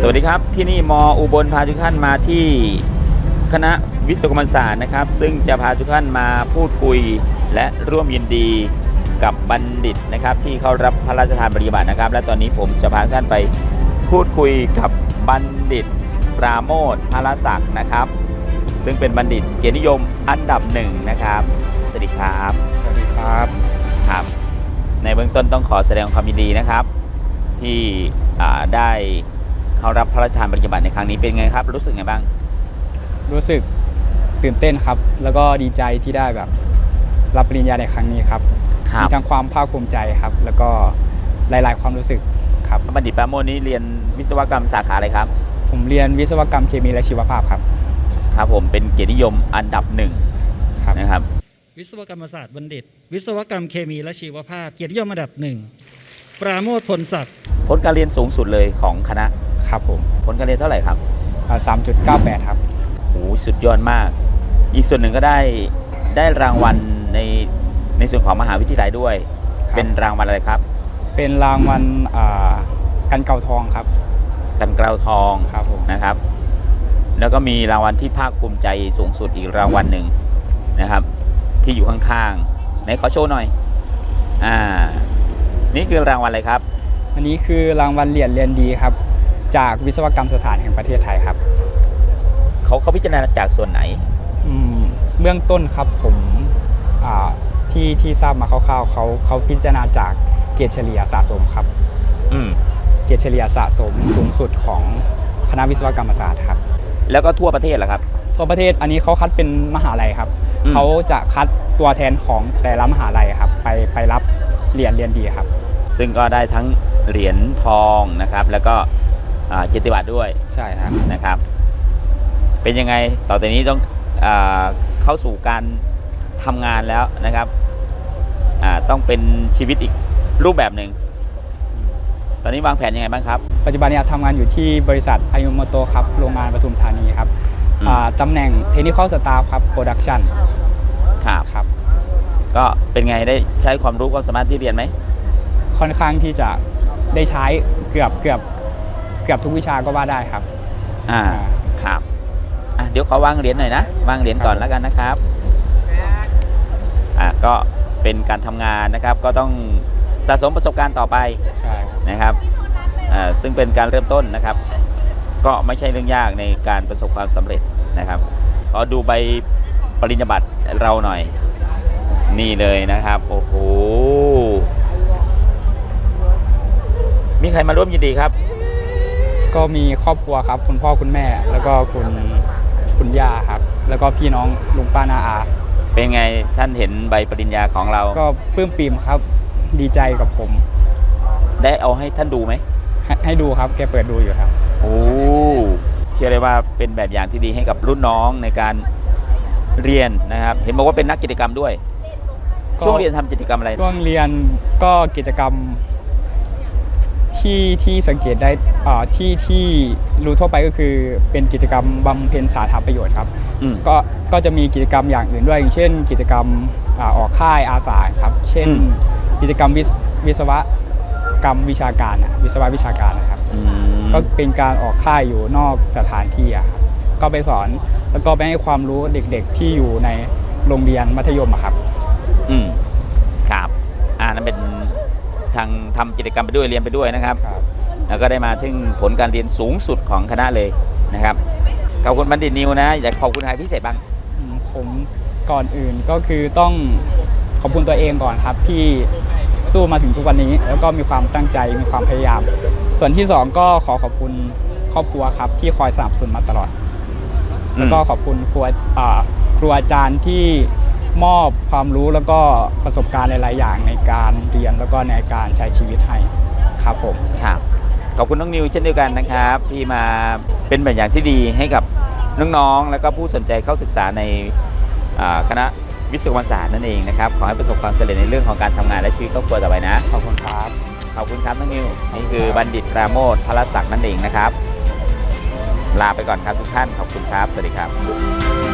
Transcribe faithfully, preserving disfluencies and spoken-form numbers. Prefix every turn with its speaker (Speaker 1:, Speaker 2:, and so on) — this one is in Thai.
Speaker 1: วัสดีครับที่นี่มออุบลพาทุกท่านมาที่คณะวิศวกรรมศาสตร์นะครับซึ่งจะพาทุกท่านมาพูดคุยและร่วมยินดีกับบัณฑิตนะครับที่เข้ารับพระราชทานปริญญาบัตรนะครับและตอนนี้ผมจะพาทุกท่านไปพูดคุยกับบัณฑิตปราโมทพลศักดิ์นะครับซึ่งเป็นบัณฑิตเกียรตินิยมอันดับหนึ่งนะครับสวัสดีครับ
Speaker 2: สวัสดีครับ
Speaker 1: ครับในเบื้องต้นต้องขอแสดงความยินดีนะครับที่ได้เข้ารับพระราชทานปริญญาบัตรในครั้งนี้เป็นไงครับรู้สึกไงบ้าง
Speaker 2: รู้สึกตื่นเต้นครับแล้วก็ดีใจที่ได้แบบรับปริญญาในครั้งนี้ครับมีทั้งความภาคภูมิใจครับแล้วก็หลายๆความรู้สึกครับ
Speaker 1: บัณฑิตปราโมทนี้เรียนวิศวกรรมสาขาอะไรครับ
Speaker 2: ผมเรียนวิศวกรรมเคมีและชีวภาพครับ
Speaker 1: ครับผมเป็นเกียรตินิยมอันดับหนึ่งนะครับ
Speaker 3: วิศวกรรมศาสตร์บัณฑิตวิศวกรรมเคมีและชีวภาพเกียรตินิยมอันดับหนึ่งปราโมทพลศักดิ์
Speaker 1: ผลการเรียนสูงสุดเลยของคณะ
Speaker 2: ครับผม
Speaker 1: ผลการเรียนเท่าไหร่ครับ
Speaker 2: สามจุดเก้าแปด ครับ
Speaker 1: โอ้สุดยอดมากอีกส่วนหนึ่งก็ได้ได้รางวัลในในส่วนของมหาวิทยาลัยด้วยเป็นรางวัลอะไรครับ
Speaker 2: เป็นรางวัลกันเกลาทองครับ
Speaker 1: กันเกลาทอง
Speaker 2: ครับผม
Speaker 1: นะครับแล้วก็มีรางวัลที่ภาคภูมิใจสูงสุดอีกรางวัลหนึ่งนะครับที่อยู่ข้างๆไหนขอโชว์หน่อยอ่านี่คือรางวัลอะไรครับ
Speaker 2: อันนี้คือรางวัลเหรียญเรียนดีครับจากวิศวกรรมสถานแห่งประเทศไทยครับ
Speaker 1: เขาเขาพิจารณาจากส่วนไหน
Speaker 2: เบื้องต้นครับผมที่ที่ทราบมาคร่าวๆเขาเขาพิจารณาจากเกรดเฉลี่ยสะสมครับเกรดเฉลี่ยสะสมสูงสุดของคณะวิศวกรรมศาสตร์ครับ
Speaker 1: แล้วก็ทั่วประเทศเหรอครับ
Speaker 2: ทั่วประเทศอันนี้เขาคัดเป็นมหาลัยครับเขาจะคัดตัวแทนของแต่ละมหาลัยครับไปไปรับเหรียญเรียนดีครับ
Speaker 1: ซึ่งก็ได้ทั้งเหรียญทองนะครับแล้วก็เกียรติบัตรด้วย
Speaker 2: ใช่ครับ
Speaker 1: นะครับเป็นยังไงต่อจากนี้ต้องเข้าสู่การทำงานแล้วนะครับต้องเป็นชีวิตอีกรูปแบบหนึ่งตอนนี้วางแผนยังไงบ้างครับ
Speaker 2: ปัจจุบันนี้ทำงานอยู่ที่บริษัทอายุโมโตครับโรงงานปทุมธานีครับตำแหน่งเทคนิคอลสตาฟครับโปรดักชั่น
Speaker 1: ครับครับก็เป็นไงได้ใช้ความรู้ความสามารถที่เรียนไหม
Speaker 2: ค่อนข้างที่จะได้ใช้เกือบเกือบเกือบทุกวิชาก็ว่าได้ครับ
Speaker 1: อ่าครับอ่ะเดี๋ยวขอวางเหรียญหน่อยนะวางเหรียญก่อนแล้วกันนะครับอ่ะก็เป็นการทำงานนะครับก็ต้องสะสมประสบการณ์ต่อไปนะครับอ่าซึ่งเป็นการเริ่มต้นนะครับก็ไม่ใช่เรื่องยากในการประสบความสำเร็จนะครับขอดูใบปริญญาบัตรเราหน่อยนี่เลยนะครับโอ้โหมีใครมาร่วมยินดีครับ
Speaker 2: ก็มีครอบครัวครับคุณพ่อคุณแม่แล้วก็คุณคุณย่าครับแล้วก็พี่น้องลุงป้าน้าอา
Speaker 1: เป็นไงท่านเห็นใบปริญญาของเรา
Speaker 2: ก็ปลื้มปิ่มครับดีใจกับผม
Speaker 1: ได้เอาให้ท่านดูไหม
Speaker 2: ให, ให้ดูครับแกเปิดดูอยู่ครับ
Speaker 1: โอ้เชื่อเลยว่าเป็นแบบอย่างที่ดีให้กับรุ่นน้องในการเรียนนะครับเห็นบอกว่าเป็นนักกิจกรรมด้วยช่วงเรียนทำกิจกรรมอะไร
Speaker 2: ช่วงเรียนก็กิจกรรมที่ที่สังเกตได้ที่ที่รู้ทั่วไปก็คือเป็นกิจกรรมบำเพ็ญสาธารณประโยชน์ครับก็ก็จะมีกิจกรรมอย่างอื่นด้วยอย่างเช่นกิจกรรมออกค่ายอาสาครับเช่นกิจกรรมวิศวกรรมวิชาการวิศวะวิชาการนะครับก็เป็นการออกค่ายอยู่นอกสถานที่ครับก็ไปสอนแล้วก็ไปให้ความรู้เด็กๆที่อยู่ในโรงเรียนมัธยมครับ
Speaker 1: อืมครับอ่านั่นเป็นทางทำกิจกรรมไปด้วยเรียนไปด้วยนะครับแล้วก็ได้มาถึงผลการเรียนสูงสุดของคณะเลยนะครับขอบคุณบัณฑิตนิวนะอยากขอบคุณใครพิเศษบ้าง
Speaker 2: ผมก่อนอื่นก็คือต้องขอบคุณตัวเองก่อนครับที่สู้มาถึงทุกวันนี้แล้วก็มีความตั้งใจมีความพยายามส่วนที่สองก็ขอขอบคุณครอบครัวครับที่คอยสนับสนุนมาตลอดแล้วก็ขอบคุณครูครูอาจารย์ที่มอบความรู้แล้วก็ประสบการณ์หลายๆอย่างในการเรียนแล้วก็ในการใช้ชีวิตให้ครับผม
Speaker 1: ครับขอบคุณน้องนิวเช่นเดียวกันนะครับที่มาเป็นแบบอย่างที่ดีให้กับน้องๆแล้วก็ผู้สนใจเข้าศึกษาในคณะวิศวกรรมศาสตร์นั่นเองนะครับขอให้ประสบความสำเร็จในเรื่องของการทำงานและชีวิตครอบครัวต่อไปนะ
Speaker 2: ขอบคุณครับ
Speaker 1: ขอบคุณครับน้องนิวนี่คือบัณฑิตปราโมทพลศักดิ์นั่นเองนะครับลาไปก่อนครับทุกท่านขอบคุณครับสวัสดีครับ